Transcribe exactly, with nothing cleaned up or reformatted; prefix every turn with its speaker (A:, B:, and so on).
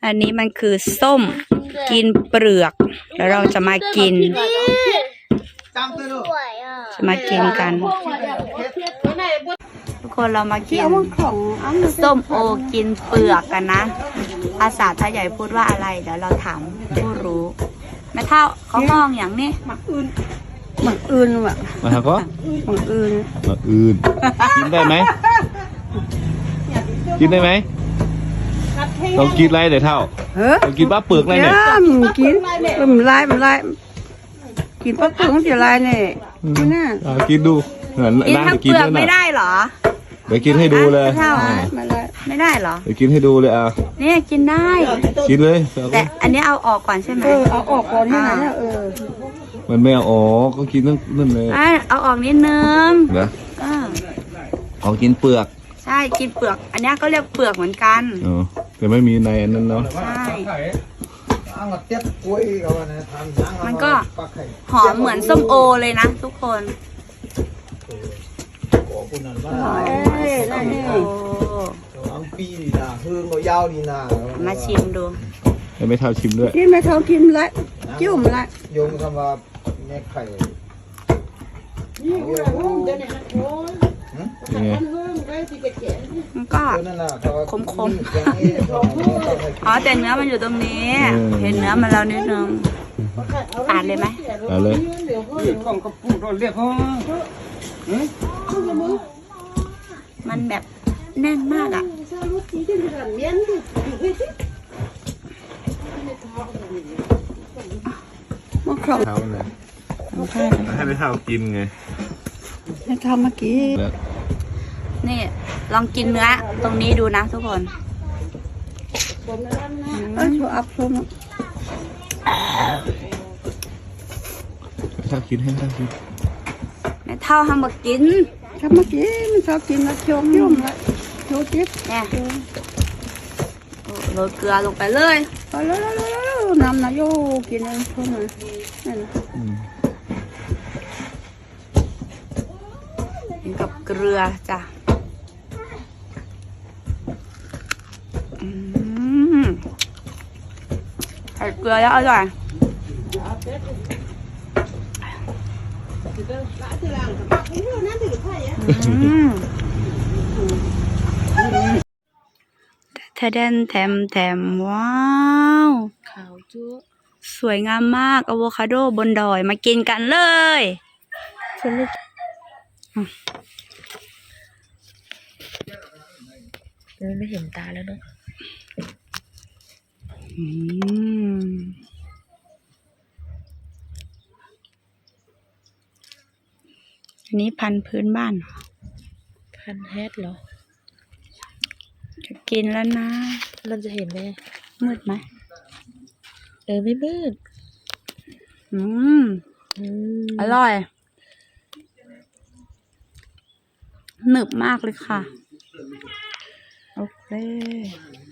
A: อันนี้มันคือส้มกินเปลือกแล้วเราจะมากินจะมากินกันทุกคนเรามากินส้มโอกินเปลือกกันนะภาษาไทยใหญ่พูดว่าอะไรเดี๋ยวเราถามผู้รู้แม่เท่าเขามองอย่างนี้หมักอื่นหมักอื่นว่ะ
B: มาครับก็
A: หมักอื่น
B: หมักอื่นกินได้ไหมกินได้ไหมต้องกินอะไรเดี๋ยวเท่าต้องกินป้าเปลือกอะไรเนี่ย
A: กินมันลายมันลายกินป้าเปลือกมันจะลายเนี่ยกินน่ะ
B: กินดูเหมือน
A: กินทั้งเปลือกไม่ได้หรอ
B: เดี๋ยวกินให้ดูเลย
A: ไม่ได้หรอ
B: เดี๋ยวกินให้ดูเลยอ่ะ
A: เนี่ยกินได้
B: กินเลย
A: แต่อันนี้เอาออกก่อนใช่ไหม
C: เอาออกก่อนที่ไหนเออ
B: มันไม่เอาออกก็กินนั่นนั่นเลย
A: เอาออกนิดนึง
B: นะเอากินเปลือก
A: ใช่กินเปลือกอันนี้ก็เรียกเปลือกเหมือนกัน
B: อ๋อแต่ไม่มีในอันนั้นเนาะ
A: ใช่มันก็หอมเหมือนส้มโอเลยนะทุกคนมาชิมดู
B: ให้ไม่เท่าชิมด้วย
C: กินไม่เท่ากินละจิ้มละ
D: โยงคำว่าแม่ไข่
A: มันก็ขมขมอ๋อแต่เนื้อมันอยู่ตรงนี้เห็นเนื้อมันแล้วนิดนึงอ่านเลยไหม
B: อ่านเลย
A: มันแบบแน่นมากอ่ะ
C: มันครบ
B: เท่าเลยให้ไม่เท่ากินไง
C: ให้ทำเมื่อกี้
A: นี่ลองกินเนื้อตรงนี้ดูนะทุกคน
C: เออชัวร์อัพชัวร์
B: เท่ากินให้เท่ากิน
A: ไม่เท่าทำมากิน
C: ทำเมื่อกี้มันชอบกินแล้วโชว์ยุ่งละโชว์จิ๊บ
A: เนี่ยโรยเกลือลงไปเลย
C: ไปแล้วแล้วน้ำนะโยกินเองเพิ่มเลยนี่นะ
A: กินกับเกลือจ้ะใส่เกลือแล้วอร่อยแทเดนแถมแถมว้าวขาวจุ๊สวยงามมากอะโวคาโดบนดอยมากินกันเลย
C: ไม่เห็นตาแล้วเนาะ
A: อันนี้พันธุ์พื้นบ้าน
C: พันธุ์แฮดเหรอ
A: จะกินแล้วนะ
C: มันจะเห็นไหม
A: มืดไหม
C: เออไม่มืด
A: อืมอร่อยหนึบมากเลยค่ะโอเค